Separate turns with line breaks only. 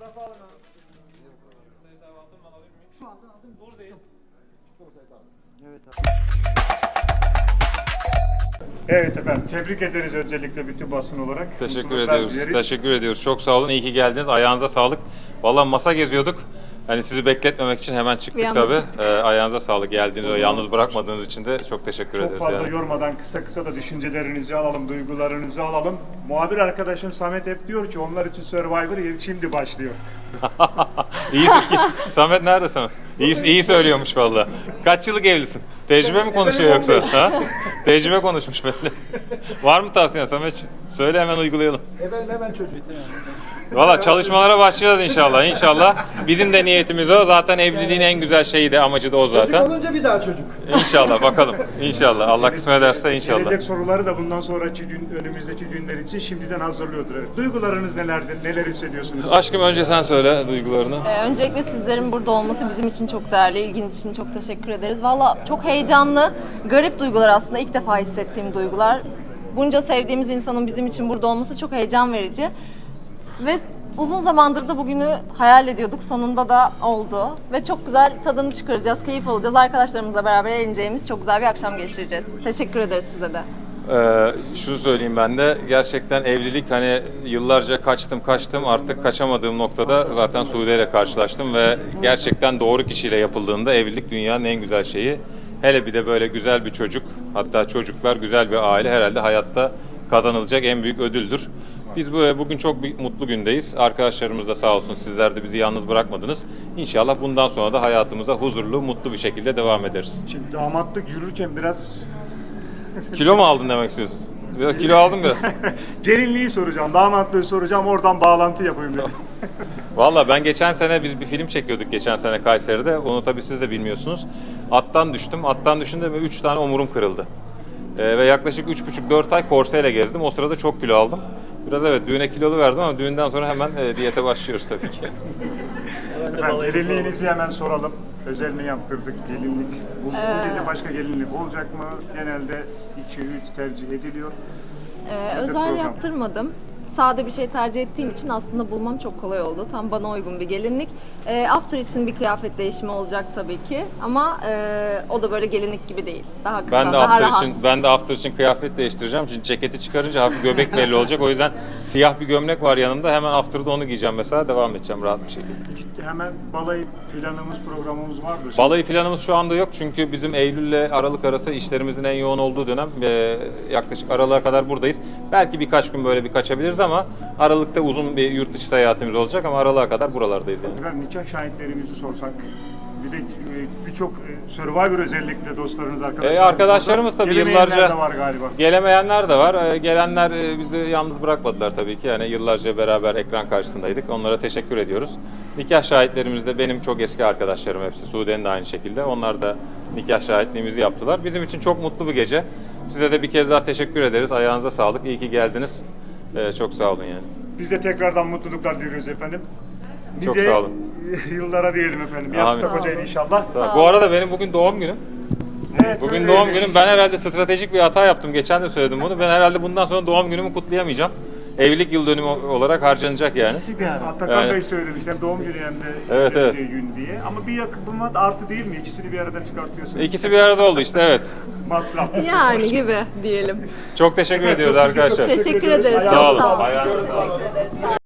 Fotoğrafı alın abi. Sait abi aldım, alabilir miyim?
Şu anda aldım.
Buradayız.
Evet abi.
Evet efendim, tebrik ederiz öncelikle bütün basın olarak.
Teşekkür
Mutluluklar
ediyoruz.
dileriz.
Teşekkür ediyoruz. Çok sağ olun. İyi ki geldiniz. Ayağınıza sağlık. Vallahi masa geziyorduk. Hani sizi bekletmemek için hemen
Bir
çıktık
anda
tabii.
çıktık.
Ayağınıza sağlık. Geldiğiniz ve yalnız bırakmadığınız için de çok teşekkür
Çok
ederiz.
fazla
yani.
yormadan kısa kısa da düşüncelerinizi alalım, duygularınızı alalım. Muhabir arkadaşım Samet hep diyor ki onlar için Survivor şimdi başlıyor.
İyi Samet nerede Samet? İyi söylüyormuş vallahi. Kaç yıllık evlisin? Tecrübe mi konuşuyor yoksa? Ha? Tecrübe konuşmuş belli. Var mı tavsiyen Samet? Söyle hemen uygulayalım.
Efendim hemen çocuk.
Valla çalışmalara başlayacağız inşallah. İnşallah. Bizim de niyetimiz o. Zaten evliliğin en güzel şeyi de amacı da o
Çocuk
zaten.
olunca bir daha çocuk.
İnşallah bakalım. İnşallah. Allah kısmet ederse inşallah.
Gelecek soruları da bundan sonraki önümüzdeki günler için şimdiden hazırlıyordur. Evet. Duygularınız nelerdir, neler hissediyorsunuz?
Aşkım önce sen söyle duygularını.
Öncelikle sizlerin burada olması bizim için çok değerli. İlginiz için çok teşekkür ederiz. Valla çok heyecanlı, garip duygular aslında. İlk defa hissettiğim duygular. Bunca sevdiğimiz insanın bizim için burada olması çok heyecan verici. Ve uzun zamandır da bugünü hayal ediyorduk. Sonunda da oldu. Ve çok güzel tadını çıkaracağız, keyif alacağız. Arkadaşlarımızla beraber eğleneceğimiz çok güzel bir akşam geçireceğiz. Teşekkür ederiz size de.
Şunu söyleyeyim ben de. Gerçekten evlilik hani yıllarca kaçtım artık kaçamadığım noktada zaten Sude ile karşılaştım ve gerçekten doğru kişiyle yapıldığında evlilik dünyanın en güzel şeyi. Hele bir de böyle güzel bir çocuk, hatta çocuklar, güzel bir aile herhalde hayatta kazanılacak en büyük ödüldür. Biz bugün çok bir mutlu gündeyiz. Arkadaşlarımız da sağ olsun, sizler de bizi yalnız bırakmadınız. İnşallah bundan sonra da hayatımıza huzurlu, mutlu bir şekilde devam ederiz.
Şimdi damatlık yürürken biraz
Kilo mu aldın demek istiyorsun? Biraz kilo aldım biraz.
gelinliği soracağım, damatlığı soracağım, oradan bağlantı yapayım dedim.
Valla ben geçen sene biz bir film çekiyorduk geçen sene Kayseri'de. Onu tabii siz de bilmiyorsunuz. Attan düştüm. Attan düşünce 3 tane omurum kırıldı. Ve yaklaşık 3,5-4 ay korseyle gezdim. O sırada çok kilo aldım. Biraz evet düğüne kilolu verdim ama düğünden sonra hemen diyete başlıyoruz tabii ki.
Efendim, gelinliğinizi hemen soralım. Özel mi yaptırdık gelinlik? Bu gece başka gelinlik olacak mı? Genelde 2-3 tercih ediliyor.
Özel
program.
yaptırmadım. Sade bir şey tercih ettiğim için aslında bulmam çok kolay oldu. Tam bana uygun bir gelinlik. After için bir kıyafet değişimi olacak tabii ki. Ama o da böyle gelinlik gibi değil. Daha kısa, daha rahat.
Ben de after için kıyafet değiştireceğim. Şimdi ceketi çıkarınca hafif göbek belli olacak. O yüzden siyah bir gömlek var yanımda. Hemen after'da onu giyeceğim mesela. Devam edeceğim rahat bir şekilde.
Hemen balayı planımız, programımız vardır.
Balayı planımız şu anda yok çünkü bizim Eylül ile Aralık arası işlerimizin en yoğun olduğu dönem. Yaklaşık Aralık'a kadar buradayız. Belki birkaç gün böyle bir kaçabiliriz ama Aralık'ta uzun bir yurt dışı seyahatimiz olacak ama Aralık'a kadar buralardayız yani.
Efendim nikah şahitlerimizi sorsak, bir de birçok Survivor özellikle dostlarınız, arkadaşlarınız.
Arkadaşlarımız tabii
Gelemeyenler
yıllarca
de var galiba.
Gelemeyenler de var. Gelenler bizi yalnız bırakmadılar tabii ki. Yani yıllarca beraber ekran karşısındaydık. Onlara teşekkür ediyoruz. Nikah şahitlerimiz de benim çok eski arkadaşlarım hepsi. Sude'nin de aynı şekilde. Onlar da nikah şahitliğimizi yaptılar. Bizim için çok mutlu bir gece. Size de bir kez daha teşekkür ederiz. Ayağınıza sağlık. İyi ki geldiniz. Çok sağ olun yani.
Biz de tekrardan mutluluklar diliyoruz efendim.
Çok sağ olun.
Yıllara diyelim efendim. Yastık Hoca'yı inşallah.
Bu arada benim bugün doğum günüm.
Evet,
Bugün
öyle
doğum
öyle.
günüm. Ben herhalde stratejik bir hata yaptım. Geçen de söyledim bunu. Ben herhalde bundan sonra doğum günümü kutlayamayacağım. Evlilik yıl dönümü olarak harcanacak yani.
Bir ara.
Atakan
Yani-
Bey söylemiş hem doğum günü hem de
Evet,
evleneceği gün diye. Ama bir yakınma artı değil mi? İkisini bir arada çıkartıyorsunuz.
İkisi bir arada oldu işte evet.
Masraf.
Yani gibi diyelim.
Çok teşekkür ediyoruz
çok güzel,
arkadaşlar.
çok
Teşekkür
ediyoruz.
ederiz.
Ayağınıza
Çok
sağlık.
sağ olun.
Ayağınıza sağlık.
Teşekkür ederiz.